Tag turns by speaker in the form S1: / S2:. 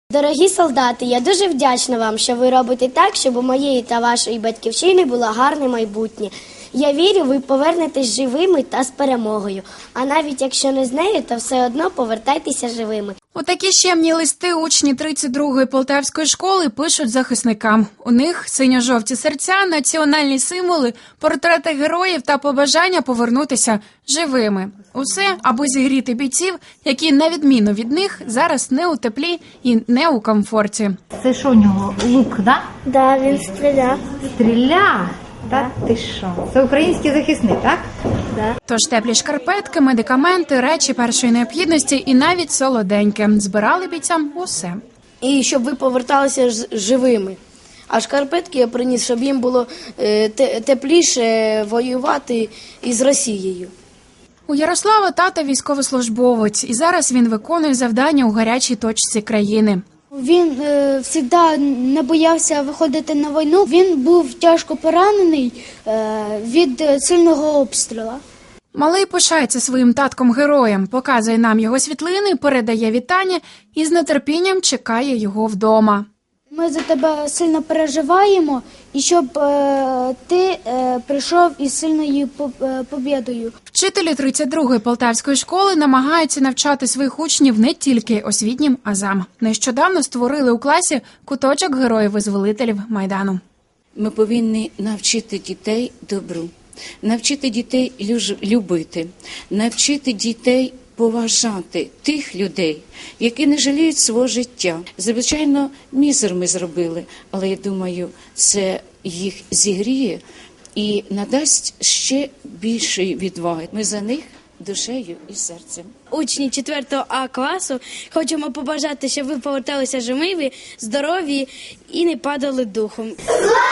S1: Дорогі солдати, я дуже вдячна вам, що ви робите так, щоб у моєї та вашої батьківщини було гарне майбутнє. Я вірю, ви повернетесь живими та з перемогою. А навіть якщо не з нею, то все одно повертайтеся живими.
S2: Отакі щемні листи учні 32-ї Полтавської школи пишуть захисникам. У них синьо-жовті серця, національні символи, портрети героїв та побажання повернутися живими. Усе, аби зігріти бійців, які, на відміну від них, зараз не у теплі і не у комфорті.
S3: Це що у нього, лук, да?
S1: Да, він стріляв.
S3: Стріля? Та ти що? Це український захисник, так?
S1: Да.
S2: Тож теплі шкарпетки, медикаменти, речі першої необхідності і навіть солоденьке. Збирали бійцям усе.
S1: І щоб ви поверталися живими. А шкарпетки я приніс, щоб їм було тепліше воювати із Росією.
S2: У Ярослава тата військовослужбовець, і зараз він виконує завдання у гарячій точці країни.
S4: Він завжди не боявся виходити на війну. Він був тяжко поранений від сильного обстрілу.
S2: Малий пишається своїм татком-героєм, показує нам його світлини, передає вітання і з нетерпінням чекає його вдома.
S4: Ми за тебе сильно переживаємо, і щоб ти прийшов із сильною побєдою.
S2: Вчителі 32-ї Полтавської школи намагаються навчати своїх учнів не тільки освітнім азам. Нещодавно створили у класі куточок героїв-визволителів Майдану.
S5: Ми повинні навчити дітей добру, навчити дітей любити, навчити дітей поважати тих людей, які не жаліють свого життя. Звичайно, мізер ми зробили, але я думаю, це їх зігріє і надасть ще більшої відваги. Ми за них душею і серцем.
S1: Учні 4 А класу хочемо побажати, щоб ви поверталися живими, здорові і не падали духом.